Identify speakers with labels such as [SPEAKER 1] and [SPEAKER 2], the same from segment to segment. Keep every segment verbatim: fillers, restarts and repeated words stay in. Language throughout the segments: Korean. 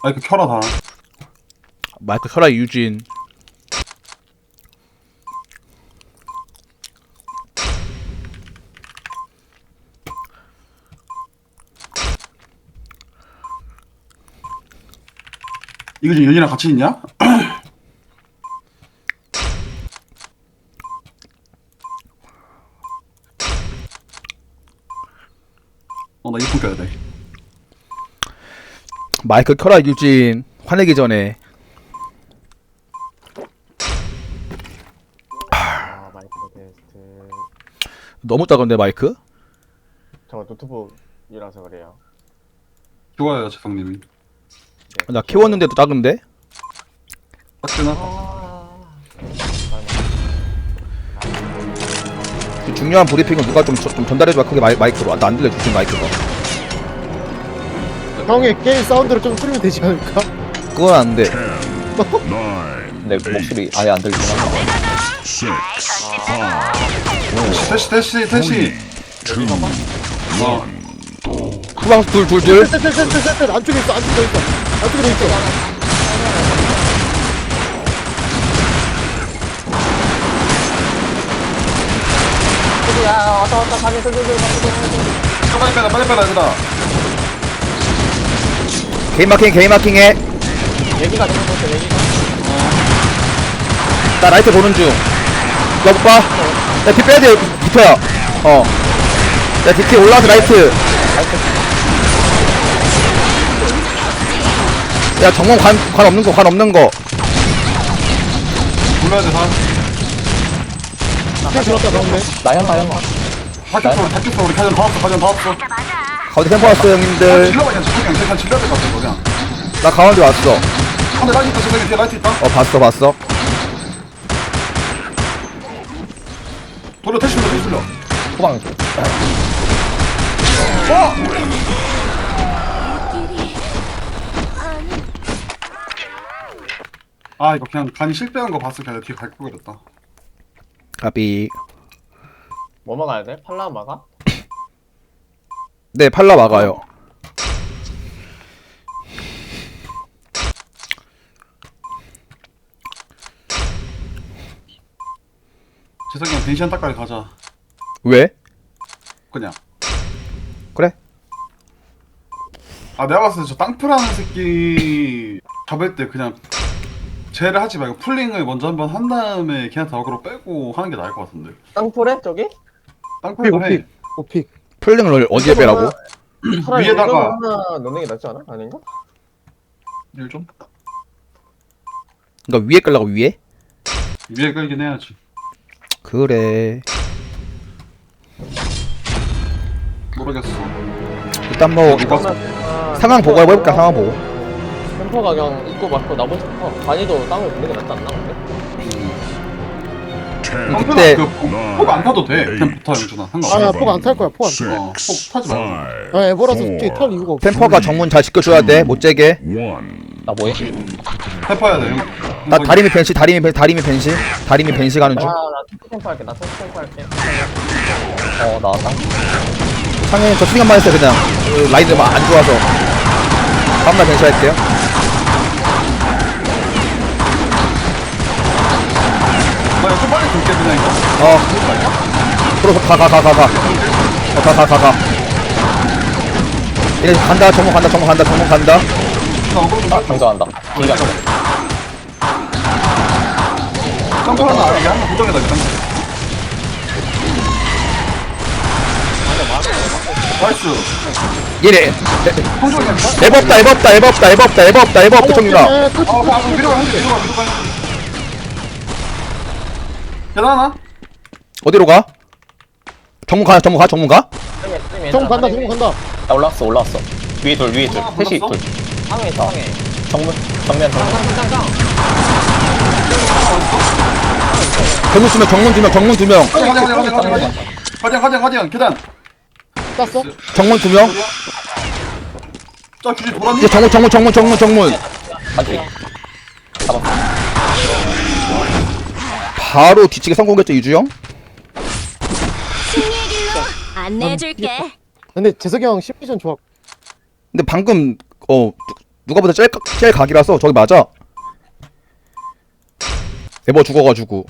[SPEAKER 1] 마이크 켜라 다.
[SPEAKER 2] 마이크 켜라 유진.
[SPEAKER 1] 이거 지금 연이랑 같이 있냐? 어, 나 이폰 껴야 돼.
[SPEAKER 2] 마이크 켜라 유진. 화내기 전에.
[SPEAKER 3] 아 마이크 테스트.
[SPEAKER 2] 너무 작은데 마이크?
[SPEAKER 3] 저 노트북이라서 그래요.
[SPEAKER 1] 좋아요, 재성님이.
[SPEAKER 2] 나 키웠는데도 작은데?
[SPEAKER 1] 딱지나?
[SPEAKER 3] 아.
[SPEAKER 2] 그 중요한 브리핑은 누가 좀, 좀 전달해줘야 크게 마이, 마이크로. 나 안 들려 유진 마이크가.
[SPEAKER 4] 형의 게임 사운드를 좀 줄이면 되지 않을까?
[SPEAKER 2] 그건 안 돼.
[SPEAKER 5] 내 목소리 아예 안 들리긴 한데.
[SPEAKER 1] 태시, 태시, 태시. 어,
[SPEAKER 2] 후방수 둘, 둘, 둘.
[SPEAKER 4] 셋셋셋셋셋 안쪽에 있어 안쪽에 있어 안쪽에 있어.
[SPEAKER 3] 야 왔다 왔다 가게 돌돌돌
[SPEAKER 1] 빨리 빼라, 빨리 빼라, 얘들아.
[SPEAKER 2] 개인 마킹, 개인 마킹해.
[SPEAKER 3] 얘기가 되는 거죠 얘기가.
[SPEAKER 2] 나 라이트 보는 중. 야, 못 봐. 야, 뒷 빼야 돼, 비터야. 어. 야, 뒷에 올라와서 라이트. 야, 정문 관, 관 없는 거, 관 없는 거.
[SPEAKER 1] 불러야 돼, 다.
[SPEAKER 4] 나 들었다 방금.
[SPEAKER 5] 나연 나연.
[SPEAKER 1] 다켰어, 다켰어. 우리 가전 다 왔어, 가전 다 왔어.
[SPEAKER 2] 가운데 템포 왔어, 형님들.
[SPEAKER 1] 질러봐, 그냥. 그냥, 그냥 질러야 될 것 같아, 그냥.
[SPEAKER 2] 나 가운데 왔어.
[SPEAKER 1] 근데 라이트 있다, 저기 뒤에 라이트 있다.
[SPEAKER 2] 어, 봤어, 봤어.
[SPEAKER 1] 돌려, 태시 불러, 태시 불러.
[SPEAKER 5] 후방.
[SPEAKER 1] 아, 이거 그냥 간이 실패한 거 봤을 때 그냥 뒤에 갈고 그랬다.
[SPEAKER 2] 가비.
[SPEAKER 3] 뭐 막아야 돼? 팔라 막아?
[SPEAKER 2] 네, 팔라 막아요.
[SPEAKER 1] 재석이 형 벤시한 딱까지 가자.
[SPEAKER 2] 왜?
[SPEAKER 1] 그냥.
[SPEAKER 2] 그래?
[SPEAKER 1] 아, 내가 봤을 때 저 땅프라는 새끼 잡을 때 그냥 쟤를 하지 말고 풀링을 먼저 한번 한 다음에 걔한테 어그로 빼고 하는 게 나을 것 같은데.
[SPEAKER 3] 땅굴에 저기?
[SPEAKER 1] 땅프라도 해.
[SPEAKER 4] 오픽 오픽.
[SPEAKER 2] 풀링을 어디에 빼라고?
[SPEAKER 3] 차라리
[SPEAKER 1] 위에다가-
[SPEAKER 3] 이거 하나 넣는 게 낫지 않아? 아닌가?
[SPEAKER 1] 일 좀?
[SPEAKER 2] 그니까 위에 끌라고, 위에?
[SPEAKER 1] 위에 끌긴 해야지.
[SPEAKER 2] 그래.
[SPEAKER 1] 모르겠어.
[SPEAKER 2] 일단 뭐,
[SPEAKER 1] 누가
[SPEAKER 3] 아,
[SPEAKER 2] 상황 보고 해볼까, 상황 보고.
[SPEAKER 3] 템퍼가 그냥 입고 맞고 나머지 템퍼 간이도 땅을 보는 게 낫지 않나 근데?
[SPEAKER 1] 땅프라
[SPEAKER 2] 그때-
[SPEAKER 1] 그폭안 타도 돼. 그냥 붙어, 영준아. 상관없어.
[SPEAKER 4] 아야 폭 안 탈 거야 폭 안. 탈.
[SPEAKER 1] 어, 폭 타지 말고.
[SPEAKER 4] 아 에버라서 솔직히 탈 이유가 없어.
[SPEAKER 2] 템퍼가 정문 잘 지켜줘야 돼, 못 재게.
[SPEAKER 5] 나 뭐해?
[SPEAKER 1] 해퍼야 돼. 형.
[SPEAKER 2] 나 다리미 벤시, 다리미 벤시, 다리미 벤시. 다리미 벤시 가는 중.
[SPEAKER 3] 아나 토크 템퍼 할게 나 토크 템퍼 할게.
[SPEAKER 5] 어 나왔다.
[SPEAKER 2] 상현이 저 수리한만 했어요, 그냥. 그 라인들 막 안 좋아서. 다음날 벤시 할게요.
[SPEAKER 1] 나 이거 좀 빨리 줄게, 그냥 이거.
[SPEAKER 2] 어. 들어서 가, 가, 가, 가, 가. 어, 가, 가, 가, 가. 이래 간다, 정문 간다, 정문 간다, 정문 간다.
[SPEAKER 1] 나 어그로 좀 빨리.
[SPEAKER 5] 장전한다. 기가.
[SPEAKER 1] 땅프라는 이게 한번 고정해다, 일단. 나이스.
[SPEAKER 2] 얘네.
[SPEAKER 1] 성적이 그냥.
[SPEAKER 2] 에버 없다, 에버 없다, 에버 없다, 에버 없다, 에버 없다, 에버 없다, 정윤아.
[SPEAKER 4] 에, 터치,
[SPEAKER 1] 아, 아,
[SPEAKER 4] 터치,
[SPEAKER 1] 위로 가, 위로 가, 위로 가. 계단 하나?
[SPEAKER 2] 어디로 가? 정문 가, 정문 가, 정문 가?
[SPEAKER 4] 정 간다 정 간다.
[SPEAKER 5] 나 올라왔어 올라왔어. 위에 둘 위에 둘.
[SPEAKER 1] 아,
[SPEAKER 5] 셋이
[SPEAKER 1] 몰랐어?
[SPEAKER 5] 둘.
[SPEAKER 3] 상해 상해.
[SPEAKER 5] 정문 정면 정문.
[SPEAKER 2] 정문 두 명, 정문 두 명, 정문 두 명.
[SPEAKER 1] 가자, 가자, 가자, 가자, 가자. 가자, 가자, 가자. 계단.
[SPEAKER 4] 땄어?
[SPEAKER 2] 정문 두 명.
[SPEAKER 1] 자, 규지 돌았니?
[SPEAKER 2] 이제 정문, 정문, 정문, 정문, 정문.
[SPEAKER 5] 아직. 잡았어.
[SPEAKER 2] 바로 뒤치기 성공했죠, 이주 형?
[SPEAKER 6] 승리의 길로 안내해줄게.
[SPEAKER 4] 근데 재석이 형 시뮬레이션 좋아.
[SPEAKER 2] 근데 방금 어 누가보다 제일, 가- 제일 각이라서 저기 맞아. 에버 죽어가지고.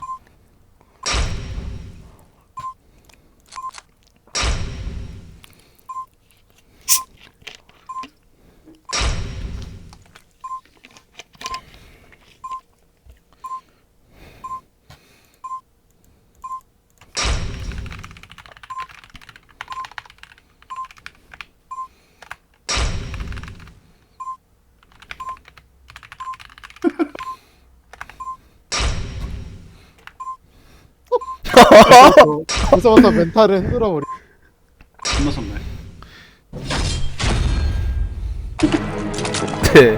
[SPEAKER 4] 벌써부터 멘탈을 흔들어 버리.
[SPEAKER 1] 끝났었네.
[SPEAKER 2] 네.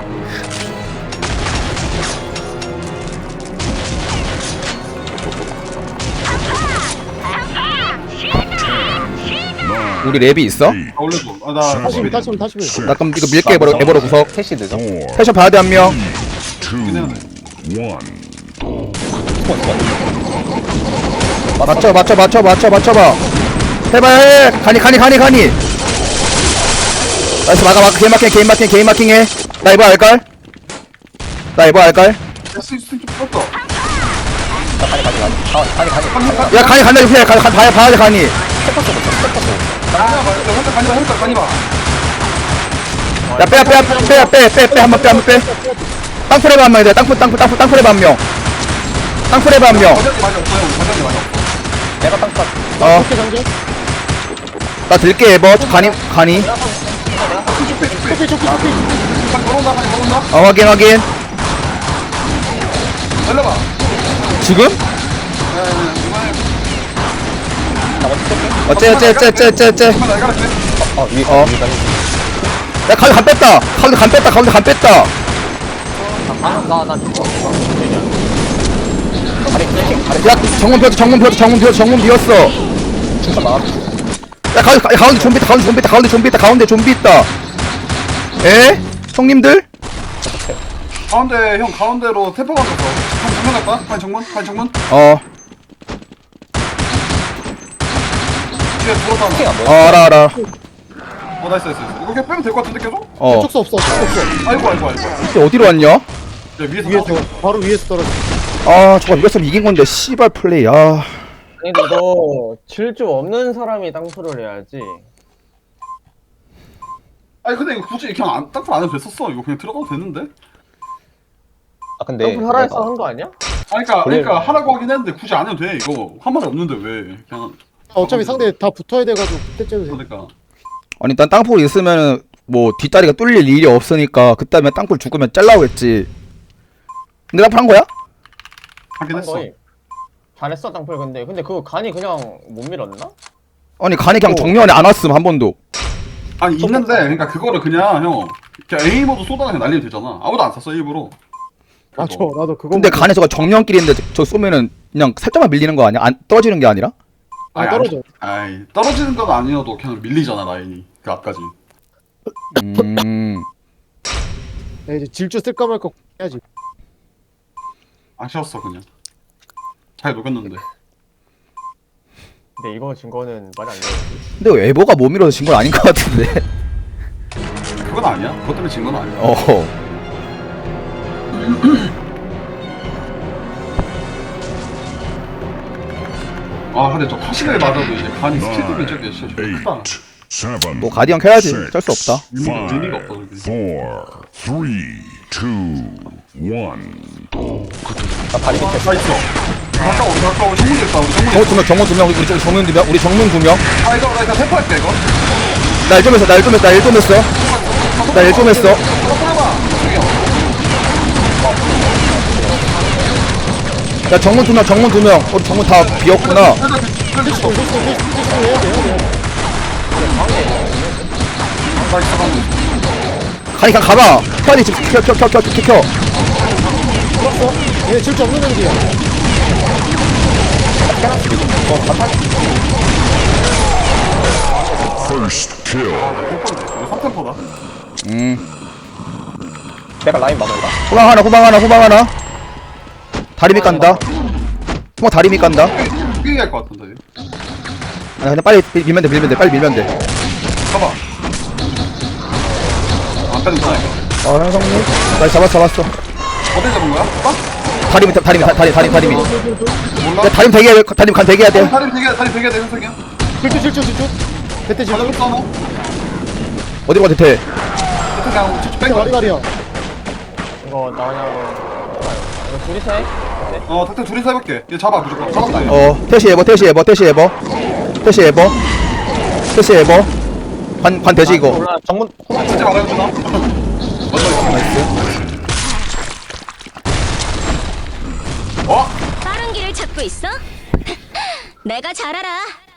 [SPEAKER 2] 우리 랩이 있어?
[SPEAKER 1] 아 올려줘. 아나
[SPEAKER 4] 다시
[SPEAKER 1] 사십일.
[SPEAKER 4] 다시 다시.
[SPEAKER 2] 나 그럼 이거 밀게 에버로, 에버로 구석.
[SPEAKER 5] 셋이 늦어.
[SPEAKER 2] 패션 봐야 돼 한 명. 맞춰 맞춰 맞춰 맞춰 맞춰봐. 해봐 해. 가니 가니 가니 가니. 나이스 막아 막아. 개인 마킹 개인 마킹 개인 마킹 해. 나 이거 알걸? 나 이거 알걸?
[SPEAKER 1] 야 스위치 좀 풀었다.
[SPEAKER 5] 가니 가니 가니. 아 가니 가니.
[SPEAKER 2] 야 가니 간다 이거 해. 가니 가 봐야 봐야 돼 가니.
[SPEAKER 1] 가니봐 봐. 혼자 가니봐 혼자 가니봐.
[SPEAKER 2] 야 빼야 빼야 빼야 빼빼빼 한 번 빼 한 번 빼. 땅풀에 한 명이다. 땅풀 땅풀 땅풀 땅풀에 한 명. 땅풀에 한 명.
[SPEAKER 1] 과장님 많이 없어요. 과장님 많이 없어.
[SPEAKER 5] 내가 땅 pat.
[SPEAKER 2] 어.
[SPEAKER 4] 오케이 장전.
[SPEAKER 2] 나 들게 에버. 가니 가니.
[SPEAKER 4] 초피 초피 초피.
[SPEAKER 1] 딱 걸어온다 가니 걸어온다.
[SPEAKER 2] 어 확인 확인.
[SPEAKER 1] 열려봐.
[SPEAKER 2] 지금? 어째 어째 어째 어째 어째 어째.
[SPEAKER 1] 잠깐 나 이거할게.
[SPEAKER 5] 어 위에
[SPEAKER 2] 어.
[SPEAKER 5] 위에 가니.
[SPEAKER 2] 야 가운데 간 뺐다. 가운데 간 뺐다. 가운데 간 뺐다.
[SPEAKER 3] 나나 죽어.
[SPEAKER 5] 가니 가니 가니.
[SPEAKER 2] 야 정문 비었어 정문 비었어 정문 비었어 정문 비었어.
[SPEAKER 5] 중간 막아.
[SPEAKER 2] 야 가운데 가- 가운데 좀비 있다. 가운데 좀비 있다. 가운데 좀비 있다. 가운데 좀비 있다. 에? 형님들?
[SPEAKER 1] 가운데 형 가운데로 태포 가서 한 정문 갈까? 한 정문? 한 정문?
[SPEAKER 2] 어.
[SPEAKER 1] 뒤에 돌아다.
[SPEAKER 5] 킹 안
[SPEAKER 2] 어
[SPEAKER 5] 보여.
[SPEAKER 2] 알아 알아.
[SPEAKER 1] 어 나이스 나이스. 이거 그냥 빼면 될 것 같은데 계속?
[SPEAKER 2] 어.
[SPEAKER 4] 촉수 없어 촉수 없어.
[SPEAKER 1] 아이고 아이고 아이고.
[SPEAKER 2] 근데 어디로 왔냐?
[SPEAKER 1] 야 위에서
[SPEAKER 4] 위에서
[SPEAKER 1] 떨어져.
[SPEAKER 4] 바로 위에서 떨어져.
[SPEAKER 2] 아 저거 이겼으면 이긴 건데 씨발 플레이. 아.
[SPEAKER 3] 아니 근데 너 질주 없는 사람이 땅프를 해야지.
[SPEAKER 1] 아니 근데 이거 굳이 그냥 안, 땅굴 안 해도 됐었어. 이거 그냥 들어가도 되는데?
[SPEAKER 5] 아 근데
[SPEAKER 3] 땅프 하라 해서
[SPEAKER 5] 내가
[SPEAKER 3] 한 거 아니야?
[SPEAKER 1] 아니 그니까 그러니까
[SPEAKER 5] 원래는-
[SPEAKER 1] 하라고 하긴 했는데 굳이 안 해도 돼 이거. 한 말이 없는데 왜 그냥
[SPEAKER 4] 어차피 상대 다 붙어야 돼가지고 그때쯤 돼.
[SPEAKER 1] 그러니까.
[SPEAKER 2] 아니 일단 땅굴 있으면은 뭐 뒷다리가 뚫릴 일이 없으니까 그다음에 땅굴 죽으면 잘라오겠지. 근데 땅굴 한 거야?
[SPEAKER 1] 하긴
[SPEAKER 3] 한
[SPEAKER 1] 했어.
[SPEAKER 3] 거임. 잘했어 땅풀 근데 근데 그거 간이 그냥 못 밀었나?
[SPEAKER 2] 아니 간이 그냥 정면에 안 왔음 한 번도.
[SPEAKER 1] 아니 있는데 그러니까 그거를 그냥 형 그냥 에이머도 쏘다가 그냥 날리면 되잖아. 아무도 안 쐈어 일부러.
[SPEAKER 4] 맞아
[SPEAKER 1] 그거.
[SPEAKER 4] 나도 그거.
[SPEAKER 2] 근데 간에 저거 정면길인데 저, 저 쏘면은 그냥 살짝만 밀리는 거 아니야? 안 떨어지는 게 아니라?
[SPEAKER 4] 아
[SPEAKER 1] 아니,
[SPEAKER 4] 떨어져.
[SPEAKER 1] 아이 떨어지는 건 아니어도 그냥 밀리잖아 라인이 그 앞까지.
[SPEAKER 2] 음.
[SPEAKER 4] 야, 이제 질주 쓸까 말까 해야지.
[SPEAKER 1] 아쉬웠어 그냥. 잘 녹였는데.
[SPEAKER 3] 근데 이거 진 거는 말이 안 돼.
[SPEAKER 2] 근데 에버가 못 밀어서 진 건 아닌 것 같은데.
[SPEAKER 1] 그건 아니야. 그것 때문에 진 건 아니야.
[SPEAKER 2] 어.
[SPEAKER 1] 아 근데 저 타시를 맞아도 이제 간이 스피드면 저게 진짜 좀 크다.
[SPEAKER 6] Seven,
[SPEAKER 2] 뭐 가디언 켜야지. 어쩔 수 없다.
[SPEAKER 1] 의미가, 의미가 없어 그게.
[SPEAKER 6] four, three, two, one.
[SPEAKER 5] 나 다리 밑에.
[SPEAKER 1] 나 있어. 가까워 가까워 정문 있다 우리
[SPEAKER 2] 정문
[SPEAKER 1] 정문.
[SPEAKER 2] 두 명, 정문 두 명, 우리 쪽 정문 두 명, 우리 정문 두 명.
[SPEAKER 1] 아 이거 나 이거 태포할게 이거.
[SPEAKER 2] 나 일 좀 했어, 나 일 좀 했어, 나 일 좀 했어. 나 일 좀 했어. 야 정문 두 명, 정문 두 명. 우리 정문 다 비었구나.
[SPEAKER 4] 필수 필수 필수 필수 해야 돼 해야 돼.
[SPEAKER 1] 나 있어 방금.
[SPEAKER 2] 가니 그냥 가봐. 켜야지 지금 켜, 켜, 켜, 켜, 켜, 켜.
[SPEAKER 4] 풀었어? 얘 질주 없는 애들이야.
[SPEAKER 6] First kill.
[SPEAKER 1] 이거 삼 템포다.
[SPEAKER 2] 음.
[SPEAKER 5] 내가 라인 막을까?
[SPEAKER 2] 후방 하나, 후방 하나, 후방 하나. 다리 밑 간다. 후방 다리 밑 간다.
[SPEAKER 1] 뛰게 할것 같은데.
[SPEAKER 2] 아 그냥 빨리 밀- 밀면 돼, 밀면 돼, 빨리 밀면 돼.
[SPEAKER 1] 가봐. 안 빼는구나 이거.
[SPEAKER 2] 어 현성님 나 잡았어 잡았어
[SPEAKER 1] 어디 잡은 거야? 오빠?
[SPEAKER 2] 다리미 다리미 다- 다리 다리 다리미
[SPEAKER 1] 몰라?
[SPEAKER 2] 야 다리미 대기해야 돼 다리미 간 대기해야 돼
[SPEAKER 1] 다리 되게 다리 되게 돼 현석이야.
[SPEAKER 4] 질주 질주 질주 대퇴 질주
[SPEAKER 1] 가자고 써너.
[SPEAKER 2] 어디로 가 대퇴
[SPEAKER 1] 이렇게 그냥 쭉쭉 뺀
[SPEAKER 4] 가리
[SPEAKER 1] 거야.
[SPEAKER 4] 가리야
[SPEAKER 3] 이거 나오냐고. 이거 둘이서 해?
[SPEAKER 1] 어 탁탁 둘이서 해볼게. 얘 잡아 무조건. 잡았다 얘.
[SPEAKER 2] 어 태시 에버 태시 에버 태시 에버 태시 에버 태시 에버 관, 관 되지 이거
[SPEAKER 3] 올라 정문
[SPEAKER 1] 진짜 말해주나? 먼저 있어.
[SPEAKER 2] 나이스
[SPEAKER 1] 어?
[SPEAKER 7] 빠른 길을 찾고 있어? 내가 잘 알아.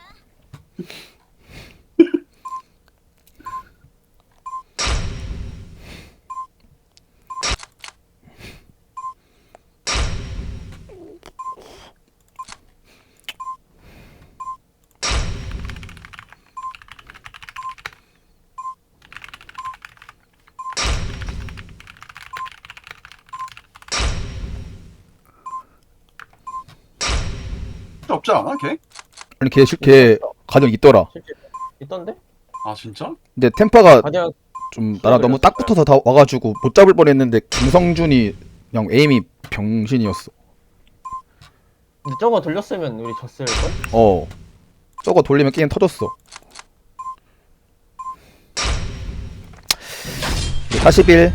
[SPEAKER 1] 진짜 없지 않아 걔?
[SPEAKER 2] 아니 걔, 실- 걔 가정 있더라
[SPEAKER 3] 실제 있던데?
[SPEAKER 1] 아 진짜?
[SPEAKER 2] 근데 템파가
[SPEAKER 3] 가디언
[SPEAKER 2] 좀 나랑 너무 딱 붙어서 다 와가지고 못 잡을 뻔했는데 김성준이 그냥 에임이 병신이었어
[SPEAKER 3] 근데 저거 돌렸으면 우리 졌을걸?
[SPEAKER 2] 어 저거 돌리면 게임 터졌어 사십일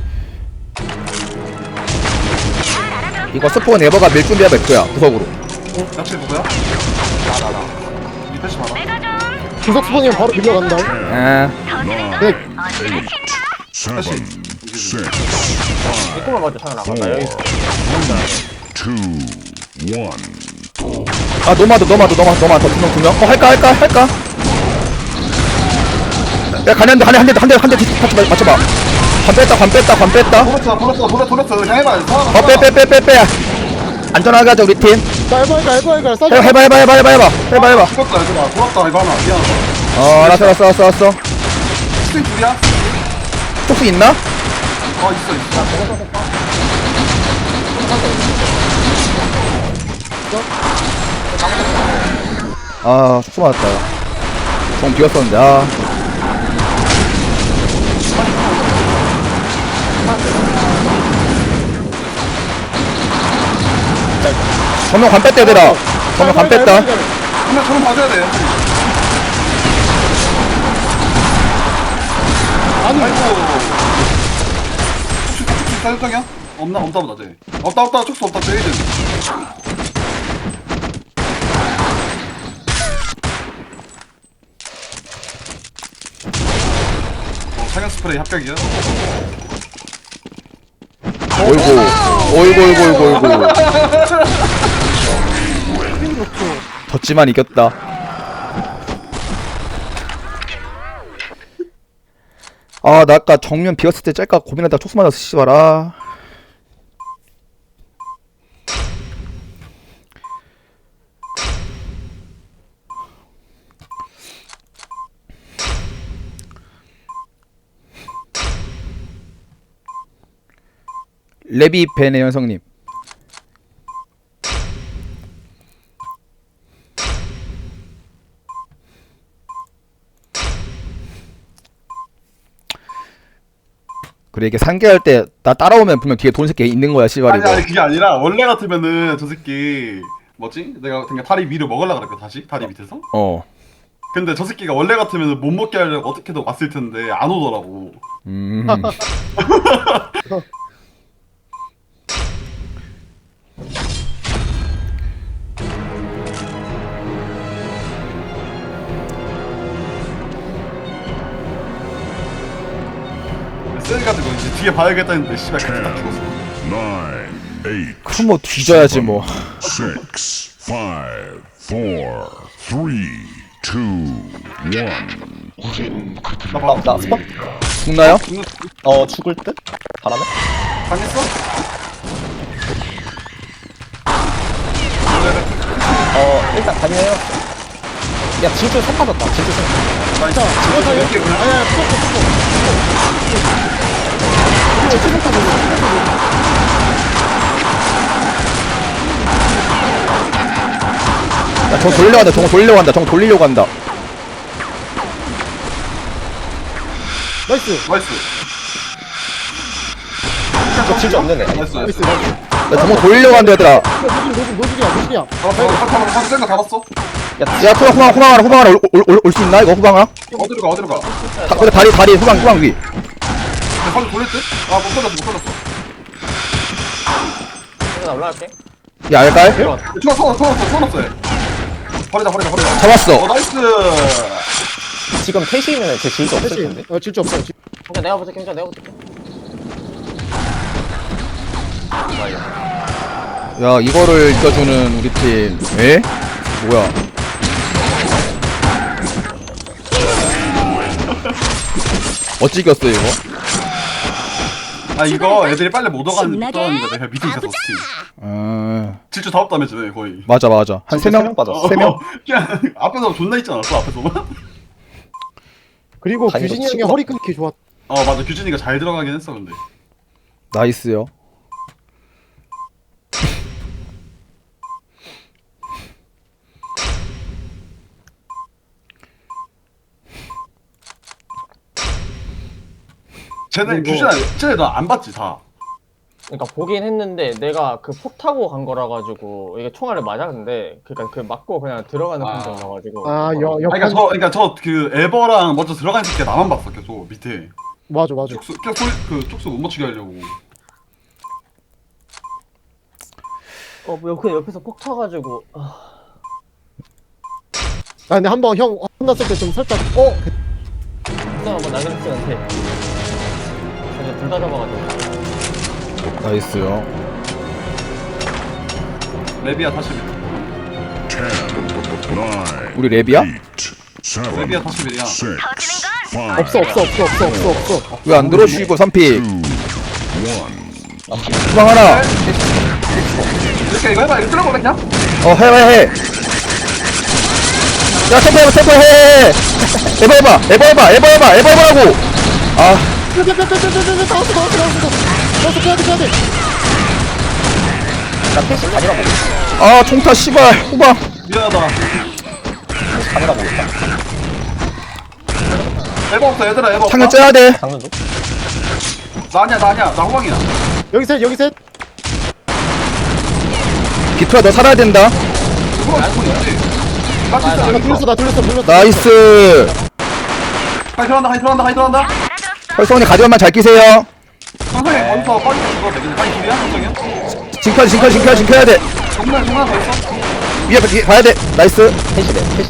[SPEAKER 2] 이거 스포 네버가 밀 준비야 몇 거야 구석으로
[SPEAKER 1] 역시 누구야? 나나나. 이 패시 봐라.
[SPEAKER 4] 구석 스폰이면 바로 밀려간다
[SPEAKER 2] 아
[SPEAKER 4] 네
[SPEAKER 6] Seven, six,
[SPEAKER 3] 이거만 봐줘 창아 나간다 여기 있어.
[SPEAKER 6] two, one.
[SPEAKER 2] 아 노마드 노마드 노마드 노마드 두명 두명 어 할까 할까 할까 야 가는데 한대한대한대한대 같이 맞춰봐 관 뺐다 관 뺐다 관 뺐다
[SPEAKER 1] 돌았어 돌았어 돌았어 돌았어. 그냥 해봐.
[SPEAKER 2] 어 빼 빼 빼 빼빼 안전하게 하자 우리 팀
[SPEAKER 4] 자 해봐 해봐 해봐 해봐 싸줘
[SPEAKER 2] 해봐 해봐 해봐 해봐 해봐 해봐 해봐
[SPEAKER 1] 죽었다 얘들아. 돌았다 이거 하나. 미안하다.
[SPEAKER 2] 어 알았어 알았어 알았어 알았어
[SPEAKER 1] 스팅 둘이야?
[SPEAKER 2] 톡스 있나?
[SPEAKER 1] 어 있어 있어.
[SPEAKER 2] 아 톡스 맞았다 정 비었었는데 아 정면 관 뺐다 얘들아 정면 관 뺐다
[SPEAKER 1] 한명 저런 봐줘야 돼. 아니 아이고. 축축 축축 사육장이야? 없나 없다 보다 쟤. 없다 없다 축수 없다 쟤. 어 사냥 스프레이 합격이야.
[SPEAKER 2] 어이구 어이구 어이구 어이구 어이구 졌지만 이겼다 아 나 아까 정면 비었을 때 짤까 고민하다가 촉수 맞아서 씨발 아 레비 벤의 현성님 그래 이게 상계할 때 나 따라오면 분명 뒤에 돈 새끼 있는 거야 씨발
[SPEAKER 1] 아니
[SPEAKER 2] 이거
[SPEAKER 1] 아니 그게 아니라 원래 같으면은 저 새끼 뭐지? 내가 그냥 다리 위로 먹으려고 그랬거든 다시 다리 밑에서.
[SPEAKER 2] 어
[SPEAKER 1] 근데 저 새끼가 원래 같으면 못 먹게 하려고 어떻게든 왔을 텐데 안 오더라고.
[SPEAKER 2] 음.
[SPEAKER 1] 쎄가지고 이제 뒤에 봐야겠다 했는데 씨발 그때 딱
[SPEAKER 6] Ten,
[SPEAKER 1] 죽었어.
[SPEAKER 6] nine, eight,
[SPEAKER 2] 그럼 뭐 뒤져야지 뭐
[SPEAKER 6] six, five, four, three, two, one.
[SPEAKER 1] 나 봐.
[SPEAKER 5] 나 스폰?
[SPEAKER 2] 죽나요?
[SPEAKER 1] 죽는
[SPEAKER 5] 어 죽을 듯? 바람에?
[SPEAKER 1] 당했어?
[SPEAKER 5] 어 일단 다녀요. 야 진출 선 빠졌다. 진출 선.
[SPEAKER 1] 나 진짜
[SPEAKER 4] 이거 다
[SPEAKER 1] 이렇게
[SPEAKER 4] 이렇게
[SPEAKER 1] 그냥
[SPEAKER 4] 아니야 푸덕
[SPEAKER 2] 야 저거 돌리려고 한다 저거 돌리려고 한다 저거 돌리려고 한다
[SPEAKER 4] 나이스
[SPEAKER 1] 나이스.
[SPEAKER 5] 저 질주 없는 애.
[SPEAKER 1] 나이스
[SPEAKER 4] 나이스
[SPEAKER 1] 나이스.
[SPEAKER 4] 나이스.
[SPEAKER 2] 나 정말 돌리려고 하는데 얘들아.
[SPEAKER 4] 노즐 노즐이야 노즐이야.
[SPEAKER 1] 잡았어 잡았어 잡았어 생각 잡았어.
[SPEAKER 2] 야 후방 후방 후방 하나 후방 하나 올 수 있나 이거 후방 하나?
[SPEAKER 1] 어디로 가 어디로 가.
[SPEAKER 2] 다, 근데 다리 다리 후방 후방 위.
[SPEAKER 1] 방금 돌릴 듯? 아못 걸렸어 못 걸렸어.
[SPEAKER 3] 나 올라갈게.
[SPEAKER 2] 야 알갈?
[SPEAKER 1] 좋아 소원 소원 소원 없어. 버리자 버리자 버리자.
[SPEAKER 2] 잡았어.
[SPEAKER 1] 어 나이스.
[SPEAKER 5] 지금 셋이면 제 질주 없을
[SPEAKER 4] 셋이.
[SPEAKER 5] 텐데.
[SPEAKER 4] 어 질주 없어. 질-
[SPEAKER 3] 그러니까 내가 붙을게. 그러니까 내가 붙을게.
[SPEAKER 2] 야 이거를 이겨주는 우리 팀. 에? 뭐야? 어찌 이겼어 이거?
[SPEAKER 1] 아 이거 애들이 빨리 못 오가는
[SPEAKER 7] 신나게
[SPEAKER 1] 거니까 내가 밑에 있어서 팀.
[SPEAKER 2] 아
[SPEAKER 1] 질주 다 없다면서 거의.
[SPEAKER 2] 맞아 맞아 한 세
[SPEAKER 5] 세
[SPEAKER 2] 명
[SPEAKER 5] 명 빠졌어.
[SPEAKER 1] 어,
[SPEAKER 2] 세 명?
[SPEAKER 1] 그냥 앞에서 존나 있지 않았어 앞에서만?
[SPEAKER 4] 그리고
[SPEAKER 5] 아니,
[SPEAKER 4] 규진이
[SPEAKER 5] 이거
[SPEAKER 4] 형이
[SPEAKER 5] 치고
[SPEAKER 4] 허리 끊기 좋았.
[SPEAKER 1] 어 맞아 규진이가 잘 들어가긴 했어 근데.
[SPEAKER 2] 나이스요.
[SPEAKER 1] 쟤네
[SPEAKER 4] 그리고-
[SPEAKER 1] 규진아 쟤네 너 안 봤지 다.
[SPEAKER 3] 그러니까 보긴 했는데 내가 그 폭 타고 간 거라 가지고 이게 총알을 맞았는데 그러니까 그 맞고 그냥 들어가는
[SPEAKER 1] 아.
[SPEAKER 3] 판정이어가지고.
[SPEAKER 4] 아여
[SPEAKER 1] 아, 그러니까 저 그러니까 저 그 에버랑 먼저 들어간 새끼 나만 봤어 계속 밑에.
[SPEAKER 4] 맞아 맞아.
[SPEAKER 1] 쪽수 계속 소리 그 쪽수 못 맞추게 하려고.
[SPEAKER 3] 어, 뭐 옆에 옆에서 폭 타가지고. 아,
[SPEAKER 4] 아 근데 한번 형 혼났을 때 좀 살짝 어
[SPEAKER 3] 진짜 한번 나그네스한테. 근데 둘 다 잡아가지고.
[SPEAKER 2] 나이스요.
[SPEAKER 1] 레비아 다시 밑.
[SPEAKER 6] ten, nine,
[SPEAKER 2] 우리 랩이야?
[SPEAKER 6] eight, seven,
[SPEAKER 1] 레비아 다시 밑이야.
[SPEAKER 6] six, five,
[SPEAKER 4] 없어 없어 없어 없어 없어 없어.
[SPEAKER 2] 왜 안 들어 쉬고 삼 피
[SPEAKER 6] two, one.
[SPEAKER 2] 후방 하나.
[SPEAKER 1] 이렇게 이거 해봐 이거 뚫어볼래 그냥?
[SPEAKER 2] 어 해봐 해. 야 템포 해봐 템포 해. 에버 해봐 에버 해봐 에버 해봐 에버 해보라고. 아
[SPEAKER 4] 빼빼빼빼빼빼 나왔어 나왔어 나왔어 나왔어 빼야 돼 빼야 돼.
[SPEAKER 5] 나 셋이 가니라고.
[SPEAKER 2] 아 총타 씨발 후방.
[SPEAKER 1] 미안하다.
[SPEAKER 5] 가니라고 있다.
[SPEAKER 1] 에버 없어 얘들아 에버 없다.
[SPEAKER 2] 창을 째야 돼.
[SPEAKER 5] 장면 좀.
[SPEAKER 1] 나 아니야 나 아니야 나 호방이야.
[SPEAKER 4] 여기 셋 여기 셋.
[SPEAKER 2] 비투야 너 살아야 된다.
[SPEAKER 1] 호방 알고 있지? 나 진짜
[SPEAKER 4] 나
[SPEAKER 1] 여기
[SPEAKER 4] 돌렸어
[SPEAKER 1] 있어.
[SPEAKER 4] 나 돌렸어 돌렸어.
[SPEAKER 2] 나이스.
[SPEAKER 1] 하이 들어간다 하이 들어간다 하이 들어간다.
[SPEAKER 2] 헐성이 가디언만 잘 끼세요.
[SPEAKER 1] 상상이 거기서 빠지게 죽어도 되겠네. 하이 둘이야 상상이야?
[SPEAKER 2] 징크야 징크야 징크야 징크야 돼.
[SPEAKER 1] 정말 정말 더 있어?
[SPEAKER 2] 위에 봐- 위에 봐야 돼. 나이스.
[SPEAKER 5] 셋이래. 셋이래.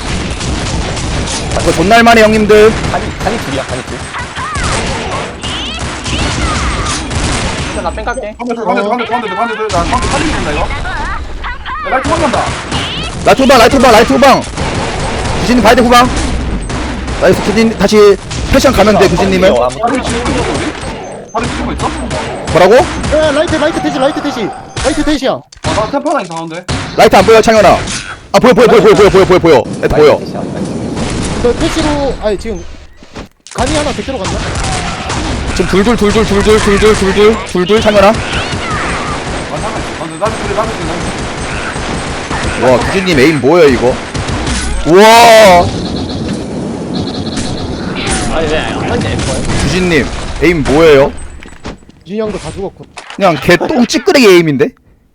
[SPEAKER 2] 이거 존나 할만해 형님들.
[SPEAKER 5] 간이 간이 둘이야. 간이 둘.
[SPEAKER 3] 일단 나 뺑갈게.
[SPEAKER 1] 가운데 둘 가운데 둘 가운데 둘 가운데 둘 가운데 둘. 나 가운데 살리게 된다 이거. 야 라이트 도망간다.
[SPEAKER 2] 라이트 후방 라이트 후방 라이트 후방. 규진님 봐야 돼 후방. 나이스 규진 다시 패션 가면 돼 규진님은.
[SPEAKER 5] 어,
[SPEAKER 1] 다리 지우고 있어 우리? 다리 지우고 있어?
[SPEAKER 2] 뭐라고?
[SPEAKER 4] 야 라이트 라이트 대시 라이트 대시 라이트 대시야.
[SPEAKER 1] 아, 나 템포 하나 이상한데.
[SPEAKER 2] 라이트 안 보여 창현아. 아 보여 보여 보여 보여 보여 보여 보여 보여. 라이트 보여.
[SPEAKER 5] 셋이야.
[SPEAKER 4] 저 대시로 아니 지금 간이 하나 대시로 갔나?
[SPEAKER 2] 지금 둘둘 둘둘 둘둘 둘둘 둘둘 둘둘 창현아.
[SPEAKER 1] 아 잠깐. 아 근데 나도 둘이 나도 둘이 나도.
[SPEAKER 2] 와 규진님 에임 뭐예요 이거? 우와
[SPEAKER 3] 아니 왜안 맞냐 이거?
[SPEAKER 2] 규진님 에임 뭐예요?
[SPEAKER 4] 준이 형도 다 죽었고.
[SPEAKER 2] 그냥 개똥 찌끄레기 에임인데?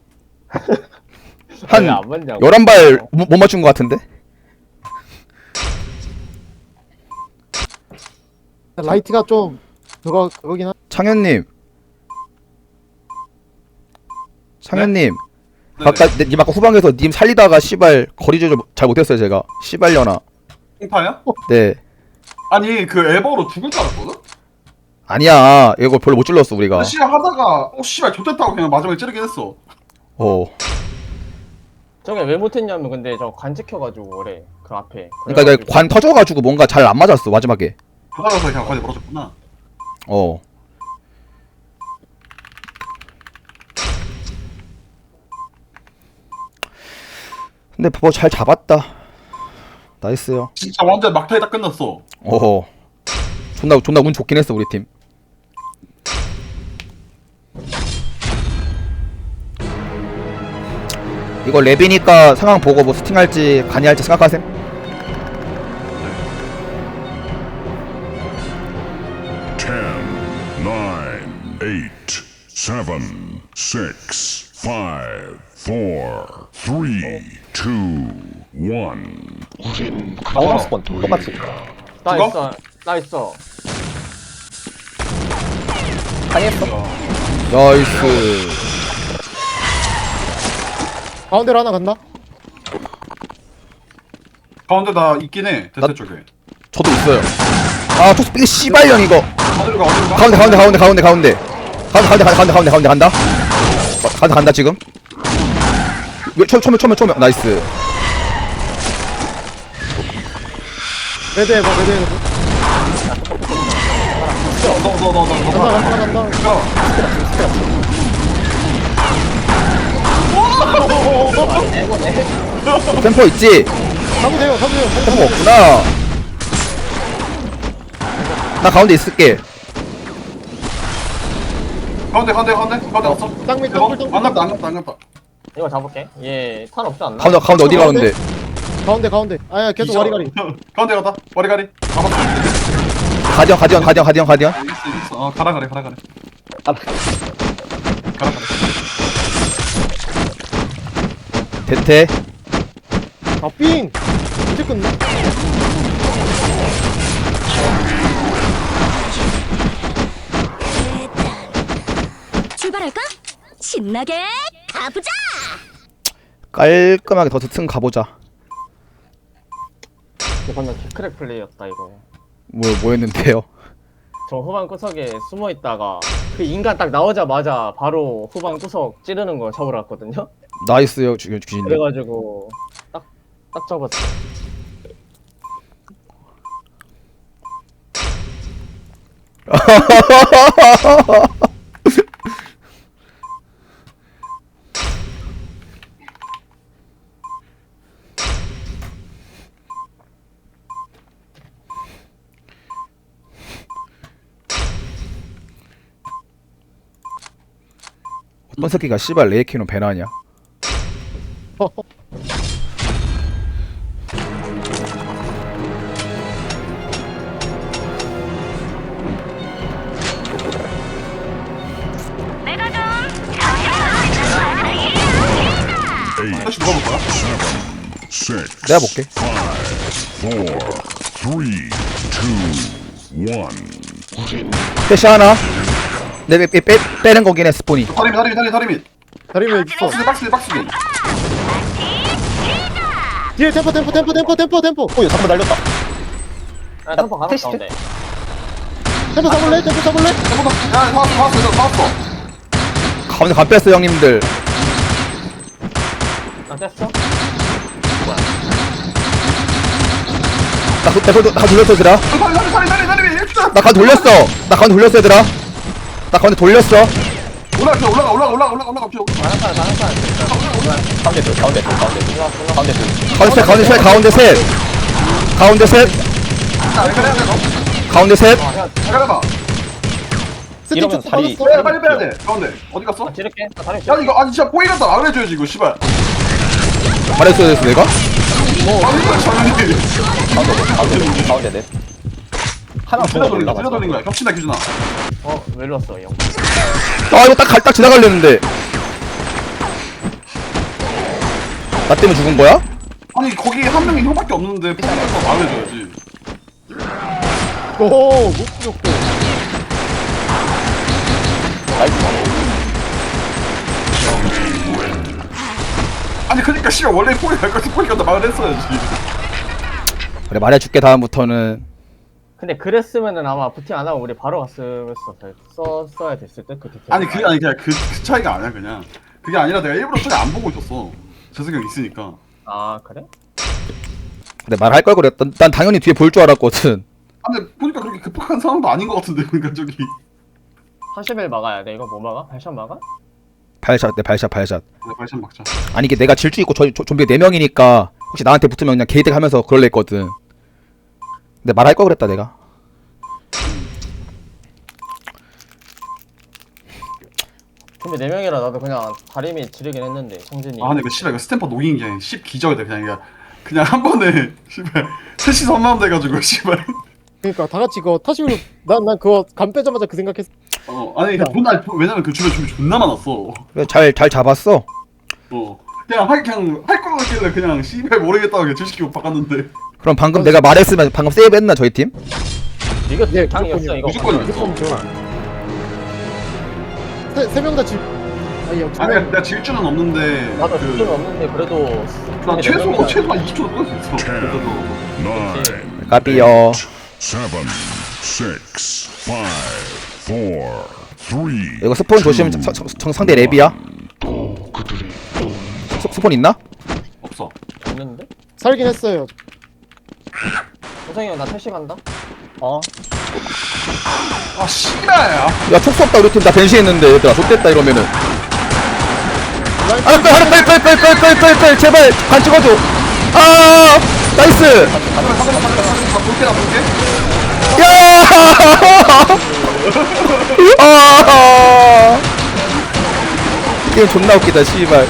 [SPEAKER 2] 한
[SPEAKER 3] 왜안 맞냐고.
[SPEAKER 2] 열한 발 못 맞춘 것 같은데?
[SPEAKER 4] 라이트가 좀 그거 그거긴 한.
[SPEAKER 2] 창현님 창현님
[SPEAKER 1] 네?
[SPEAKER 2] 아까 내- 님 아까 후방에서 님 살리다가 씨발 거리 조절 잘 못했어요 제가 씨발려나.
[SPEAKER 1] 공파야?
[SPEAKER 2] 네
[SPEAKER 1] 아니 그 에버로 죽을 줄 알았거든?
[SPEAKER 2] 아니야 이거 별로 못 찔렀어 우리가.
[SPEAKER 1] 근데 씨발 하다가 어 씨발 좋댔다고 그냥 마지막에 찌르긴 했어.
[SPEAKER 2] 어
[SPEAKER 3] 저게 왜 못했냐면 근데 저 관 찍혀가지고 그래 그 앞에.
[SPEAKER 2] 그러니까 이게 관 터져가지고 뭔가 잘 안 맞았어 마지막에.
[SPEAKER 1] 하다가서 그냥 거기 멀어졌구나.
[SPEAKER 2] 어 근데 뭐 잘 잡았다. 나이스요.
[SPEAKER 1] 진짜 완전 막타에 딱 끝났어.
[SPEAKER 2] 어 존나 존나 운 좋긴 했어 우리 팀. 이거 랩이니까 상황 보고 뭐 스팅할지 간이할지 생각하셈.
[SPEAKER 6] ten, nine, eight, seven, six, five, four, three, two, one.
[SPEAKER 5] 방어 스폰 똑같이.
[SPEAKER 3] 나
[SPEAKER 1] 죽어?
[SPEAKER 3] 있어 나 있어.
[SPEAKER 5] 당했어.
[SPEAKER 2] 나이스.
[SPEAKER 4] 가운데로 하나 간다.
[SPEAKER 1] 가운데 나 있긴 해 대퇴 쪽에.
[SPEAKER 2] 저도 있어요. 아 토스 삐 씨발년 이거.
[SPEAKER 1] 어디로 가 어디로 가?
[SPEAKER 2] 가운데 가운데 가운데 가운데 가운데 가운데 가운데 가운데 가운데 가운데 간다. 어, 간다 간다 지금. 왜 초, 초면 초면 초면 나이스.
[SPEAKER 4] 레드 해봐 레드 해봐.
[SPEAKER 1] 너너너너너
[SPEAKER 4] 간다 간다 간다.
[SPEAKER 2] 템포 있지?
[SPEAKER 4] 가면 돼요 가면 돼요.
[SPEAKER 2] 템포 없구나. 나 가운데 있을게.
[SPEAKER 1] 가운데 가운데 가운데 가운데 없어.
[SPEAKER 4] 땅 밑,
[SPEAKER 1] 대박.
[SPEAKER 4] 땅 밑, 땅 밑.
[SPEAKER 1] 안 갔다 안 갔다 안 갔다.
[SPEAKER 3] 이거 잡을게. 얘탄 없지 않나?
[SPEAKER 2] 가운데 가운데 어디 가운데?
[SPEAKER 4] 가운데 가운데. 아야 계속 와리가리.
[SPEAKER 1] 가운데 가다 와리가리. 가봤어.
[SPEAKER 2] 가디언 가디언 가디언 가디언 가디언.
[SPEAKER 1] 있어 있어. 어 가라 가래 가라 가래.
[SPEAKER 5] 아,
[SPEAKER 1] 가라 가래.
[SPEAKER 2] 대퇴.
[SPEAKER 4] 아 삥. 이제 끝나?
[SPEAKER 7] 출발할까? 신나게 가보자.
[SPEAKER 2] 깔끔하게 더 튼 가보자.
[SPEAKER 3] 이거 방금 키크랙 플레이였다 이거.
[SPEAKER 2] 뭐 뭐였는데요?
[SPEAKER 3] 저 후방 구석에 숨어 있다가 그 인간 딱 나오자마자 바로 후방 구석 찌르는 거 잡으러 갔거든요.
[SPEAKER 2] 나이스요 주- 주인님.
[SPEAKER 3] 그래가지고 딱 딱 잡았어.
[SPEAKER 2] 어떤 새끼가 씨발 레이키노 배나냐?
[SPEAKER 7] 내가 좀
[SPEAKER 6] Eight,
[SPEAKER 1] 다시 누가 볼 거야?
[SPEAKER 6] six,
[SPEAKER 2] 내가 볼게.
[SPEAKER 6] four, three, two, one.
[SPEAKER 2] 패시 하나. 내 빼, 빼, 빼, 빼는 거긴 해 스폰이.
[SPEAKER 1] 다리미 다리미 다리 다리미.
[SPEAKER 4] 다리면 있어.
[SPEAKER 1] 박스 박스 박스.
[SPEAKER 4] 뒤에 템포 템포 템포 템포 템포 템포.
[SPEAKER 5] 오, 이거 잠깐 날렸다.
[SPEAKER 3] 아, 템포 가는
[SPEAKER 5] 테스트?
[SPEAKER 3] 가운데.
[SPEAKER 4] 템포 잡을래? 템포 잡을래?
[SPEAKER 1] 야 나왔어 나왔어 이거 나왔어.
[SPEAKER 2] 가운데 간 뺐어 형님들.
[SPEAKER 3] 나 뗐어?
[SPEAKER 2] 나 그, 나, 나 돌렸어 얘들아.
[SPEAKER 1] 다리 다리 다리 다리 다리 일단.
[SPEAKER 2] 나 가운데 돌렸어. 나 가운데 돌렸어 얘들아. 나 가운데 돌렸어.
[SPEAKER 1] 올라가 올라가 올라가 올라가 올라가 올라가 올라가.
[SPEAKER 3] 가는 판 가는 판.
[SPEAKER 5] 가운데 둘, 가운데 둘, 가운데 둘. 가운데 둘.
[SPEAKER 2] 가운데 셋 가운데 셋 가운데 셋. 가운데 셋.
[SPEAKER 1] 자 그래 그래 너.
[SPEAKER 2] 가운데 셋.
[SPEAKER 1] 잠깐만.
[SPEAKER 4] 스틱
[SPEAKER 5] 이러면
[SPEAKER 4] 쭉
[SPEAKER 5] 다리-
[SPEAKER 4] 빠졌어.
[SPEAKER 1] 빼야 빨리 빼야 돼. 가운데 어디 갔어?
[SPEAKER 3] 아, 지를게. 나 다리
[SPEAKER 1] 야 이거 아니 진짜 보이겠다 말해줘야지 이거 씨발.
[SPEAKER 2] 말했어야 됐어 내가?
[SPEAKER 1] 아니 이거 장난이.
[SPEAKER 5] 가운데 넷, 가운데 넷, 가운데 넷. 하나
[SPEAKER 1] 들려
[SPEAKER 5] 더
[SPEAKER 1] 돌린 거야 들려
[SPEAKER 5] 올라갔어.
[SPEAKER 1] 돌린 거야. 겹친다 기준아.
[SPEAKER 3] 어, 왜 일로 왔어, 이 형?
[SPEAKER 2] 아 이거 딱 갈 딱 지나가려는데. 나 때문에 죽은 거야?
[SPEAKER 1] 아니 거기 한 명이 형밖에 없는데 포기해서 말해줘야지.
[SPEAKER 4] 오 목적도.
[SPEAKER 1] 아니 그러니까 씨발 원래 포기할 거지 포기한다 말을 했어야지.
[SPEAKER 2] 그래 말해줄게 다음부터는.
[SPEAKER 3] 근데 그랬으면은 아마 부팅 안 하고 우리 바로 갔으면서 썼어야 됐을 듯, 그 디테일.
[SPEAKER 1] 아니 그게 아니 그냥 그, 그 차이가 아니야 그냥. 그게 아니라 내가 일부러 저기 안 보고 있었어. 재석이 형 있으니까.
[SPEAKER 3] 아, 그래?
[SPEAKER 2] 근데 말할 걸 그랬다. 난 당연히 뒤에 볼 줄 알았거든.
[SPEAKER 1] 아 근데 보니까 그렇게 급박한 상황도 아닌 것 같은데 그러니까 저기.
[SPEAKER 3] 사십 일 막아야 돼. 이거 뭐 막아? 발샷 막아?
[SPEAKER 2] 발샷 내 발샷 발샷.
[SPEAKER 1] 내 발샷 막자.
[SPEAKER 2] 아니 이게 내가 질주 있고 저, 저 좀비가 네 명이니까 혹시 나한테 붙으면 그냥 게이득 하면서 그럴래 했거든. 근데 말할 걸 그랬다 내가.
[SPEAKER 3] 근데 네 명이라 나도 그냥 다리미 지르긴 했는데, 성진이.
[SPEAKER 1] 아 근데 그 씨발 이거 스탬퍼 녹인 게 십 기적이 돼 그냥 그냥 그냥 한 번에 씨발 셋이서 한마음 돼가지고 씨발.
[SPEAKER 4] 그러니까 다 같이 그거 타시로 난난 그거 간 빼자마자 그 생각했어.
[SPEAKER 1] 어 어 아니 존나 왜냐면 그 주변 준비 존나 많았어.
[SPEAKER 2] 잘 잘 잡았어.
[SPEAKER 1] 어 그냥 할 그냥 할 거 같길래 그냥 씨발 모르겠다고 그냥 질시키고 바꿨는데.
[SPEAKER 2] 그럼 방금 내가 말했으면 방금 세이브했나 저희 팀?
[SPEAKER 3] 이거
[SPEAKER 4] 네,
[SPEAKER 3] 당이었어 이거.
[SPEAKER 1] 무조건이었어.
[SPEAKER 4] 세명 다 집. 아니 두
[SPEAKER 1] 아니
[SPEAKER 4] 명.
[SPEAKER 1] 내가 질 줄은 없는데.
[SPEAKER 3] 맞아
[SPEAKER 1] 그,
[SPEAKER 3] 수준 없는데 그래도.
[SPEAKER 1] 나 최소
[SPEAKER 3] 명이나-
[SPEAKER 1] 최소 한 이십 초도 끌수 있어. 그래도
[SPEAKER 6] Nine.
[SPEAKER 2] 까비요.
[SPEAKER 6] Seven. Six. Five. Four. Three.
[SPEAKER 2] 이거 스폰 조심. 정, 정, 정 상대 랩이야. 스, 스폰 있나?
[SPEAKER 1] 없어.
[SPEAKER 3] 없는데?
[SPEAKER 4] 살긴 했어요.
[SPEAKER 3] 호성이 형 나 택시 간다.
[SPEAKER 5] 어
[SPEAKER 1] 아 씨발야.
[SPEAKER 2] 야 촉수 없다 우리 팀 다 변신했는데 얘들아 좆됐다 이러면은. 하나 빼 하나 빼빼빼빼빼빼 제발 간 찍어줘. 아 나이스.
[SPEAKER 1] 나 볼게 나 볼게.
[SPEAKER 2] 야! 아! 게임 존나 웃기다, 씨발.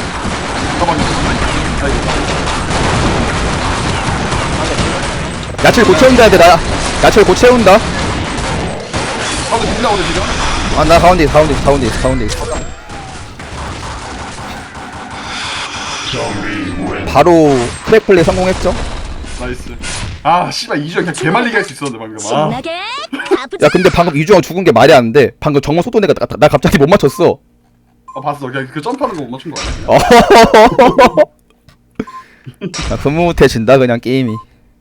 [SPEAKER 2] 야채를 곧 채운다, 얘들아. 야채를 곧 채운다.
[SPEAKER 1] 아 근데 빌라 오네 지금.
[SPEAKER 2] 아, 나 가운데 있어, 가운데 있어, 가운데 있어, 가운데 있어. 바로 크랙 플레이 성공했죠?
[SPEAKER 1] 나이스. 아 씨발 이주영 그냥 개말리게 할 수 있었는데 방금. 아.
[SPEAKER 7] 신나게 가보자.
[SPEAKER 2] 야, 근데 방금 이주영 죽은 게 말이 안 돼. 방금 정문 속도 내가 나, 나 갑자기 못 맞췄어.
[SPEAKER 1] 아 봤어. 그냥 그 점프하는 거 못 맞춘 거 아니야? 그냥?
[SPEAKER 2] 야, 흐뭇해진다, 그냥 게임이.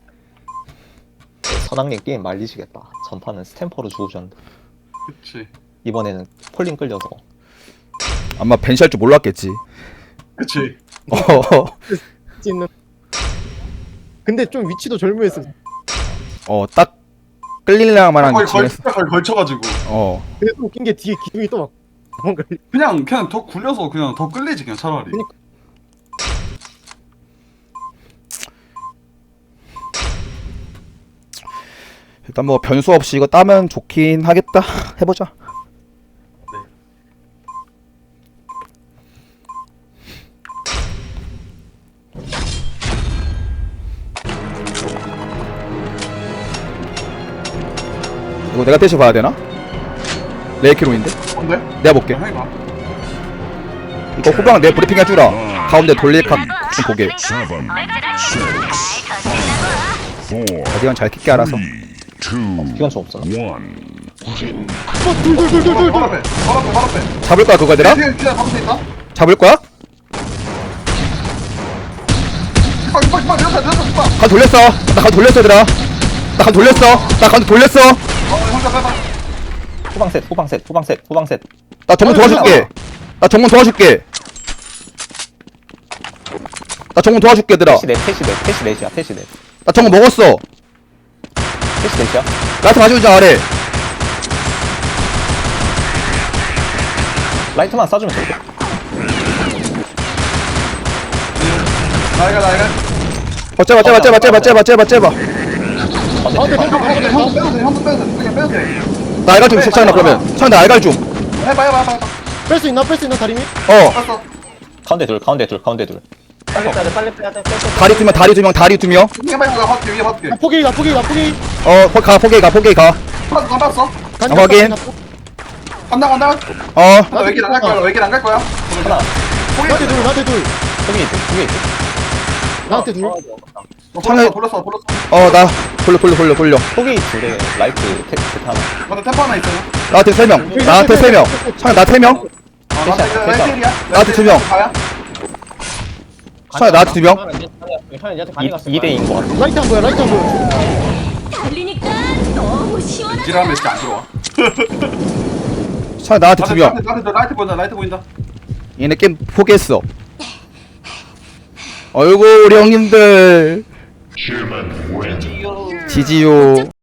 [SPEAKER 5] 선왕님 게임 말리시겠다. 전판은 스탬퍼로 죽으셨는데
[SPEAKER 1] 그치.
[SPEAKER 5] 이번에는 폴링 끌려서
[SPEAKER 2] 아마 벤시할 줄 몰랐겠지.
[SPEAKER 1] 그치.
[SPEAKER 2] 어,
[SPEAKER 4] 있는. 근데 좀 위치도 절묘했어.
[SPEAKER 2] 어, 딱 끌릴랑 만한
[SPEAKER 1] 거의 걸,
[SPEAKER 2] 위치였어.
[SPEAKER 1] 거의 걸쳐가지고.
[SPEAKER 2] 어.
[SPEAKER 4] 근데 또 웃긴 게 뒤에 기둥이 또 막 뭔가
[SPEAKER 1] 그냥 그냥 더 굴려서 그냥 더 끌리지 그냥 차라리.
[SPEAKER 4] 그니까.
[SPEAKER 2] 일단 뭐 변수 없이 이거 따면 좋긴 하겠다. 해보자. 이거 내가 대시 봐야 되나? 레이키로인데?
[SPEAKER 1] 뭔데?
[SPEAKER 2] 내가 볼게.
[SPEAKER 1] 그냥 해봐.
[SPEAKER 2] 이거 후방 내 브리핑 해주라. 가운데 돌릴 각 좀 보게.
[SPEAKER 6] Seven. Six. Four.
[SPEAKER 2] 어디간 잘 킥게 알아서.
[SPEAKER 6] Three. Two.
[SPEAKER 5] 기관 좀 없어.
[SPEAKER 6] One.
[SPEAKER 4] 둘둘둘둘둘.
[SPEAKER 1] 바로 앞에. 바로 앞에. 바로 앞에.
[SPEAKER 2] 잡을 거야 그거 얘들아?
[SPEAKER 1] 뒤에 뒤에 바로 앞에 있다.
[SPEAKER 2] 잡을 거야?
[SPEAKER 1] 빡, 빡, 빡, 내렸다, 내렸다, 빡.
[SPEAKER 2] 간 돌렸어. 나 간 돌렸어 얘들아. 나 간 돌렸어. 나 간 돌렸어.
[SPEAKER 1] 어, 혼자 빼봐.
[SPEAKER 5] 후방 셋 후방 셋 후방 셋 후방 셋
[SPEAKER 2] 나 정문 도와줄게. 나 정문 도와줄게. 나 정문 도와줄게 얘들아.
[SPEAKER 5] 태시 넷 태시 넷 태시 넷이야 태시 넷
[SPEAKER 2] 나 정문 먹었어.
[SPEAKER 5] 태시 넷이야
[SPEAKER 2] 나한테 가져오자 아래.
[SPEAKER 5] 라이트만 쏴주면 돼
[SPEAKER 1] 나이가, 나이가.
[SPEAKER 2] 어 째봐 째봐 째봐 째봐 째봐 째봐 째봐.
[SPEAKER 4] 아 근데
[SPEAKER 1] 형,
[SPEAKER 4] 형
[SPEAKER 1] 형, 형 빼도 돼, 형도 빼도 돼. 그냥 빼도 돼.
[SPEAKER 2] 나 알갈 좀 괜찮아 그러면. 창 나 알갈 좀.
[SPEAKER 1] 해봐, 해봐, 해봐. 해봐.
[SPEAKER 4] 뺄수 있나 뺄 수 있나 다리 밑?
[SPEAKER 2] 어.
[SPEAKER 1] 알았어.
[SPEAKER 5] 가운데 둘 가운데 둘 가운데 둘
[SPEAKER 3] 빨리 빼야 돼 빨리 빼야 돼. 빼, 빼, 빼.
[SPEAKER 2] 다리 두 명 다리 두 명 다리 두 명.
[SPEAKER 1] 해봐, 해봐. 받게, 위에 받게.
[SPEAKER 4] 나포기 나포기 나포기.
[SPEAKER 2] 어 거- 가 포기 가 포기 가.
[SPEAKER 1] 다 봤어?
[SPEAKER 4] 간다,
[SPEAKER 2] 아, 확인.
[SPEAKER 4] 간다,
[SPEAKER 1] 간다, 간다.
[SPEAKER 2] 어.
[SPEAKER 1] 나 외길 안갈 거야, 외길 안갈 거야.
[SPEAKER 5] 하나
[SPEAKER 4] 나한테 둘 나한테 둘
[SPEAKER 5] 여기 있어 여기 있어
[SPEAKER 4] 나한테 둘.
[SPEAKER 3] 어,
[SPEAKER 1] 어,
[SPEAKER 2] 창을-
[SPEAKER 1] 돌렸어, 돌렸어, 돌렸어.
[SPEAKER 2] 어 나 돌려 돌려 돌려 돌려.
[SPEAKER 5] 포기 둘에 라이트 텍스트 하나
[SPEAKER 1] 맞아, 템포 하나 있잖아.
[SPEAKER 2] 나한테 세 명. 나한테 세 명. 창 나 세 명.
[SPEAKER 1] 아, 나한테 이거
[SPEAKER 5] 됐어.
[SPEAKER 1] 라이텔이야.
[SPEAKER 2] 나한테 두 명.
[SPEAKER 1] 가야?
[SPEAKER 2] 창 나한테 두 명.
[SPEAKER 3] 형이 얘한테 간이 갔어.
[SPEAKER 5] 이 대인 거 같아
[SPEAKER 4] 라이트 한 거야 라이트 한 거야.
[SPEAKER 7] 달리니까 너무 시원하다.
[SPEAKER 1] 지라면 진짜 안 들어와.
[SPEAKER 2] 창 나한테 두 명.
[SPEAKER 1] 나한테, 나한테 라이트 보인다, 라이트 보인다.
[SPEAKER 2] 얘네 게임 포기했어. 어이구 우리 형님들. 지지요.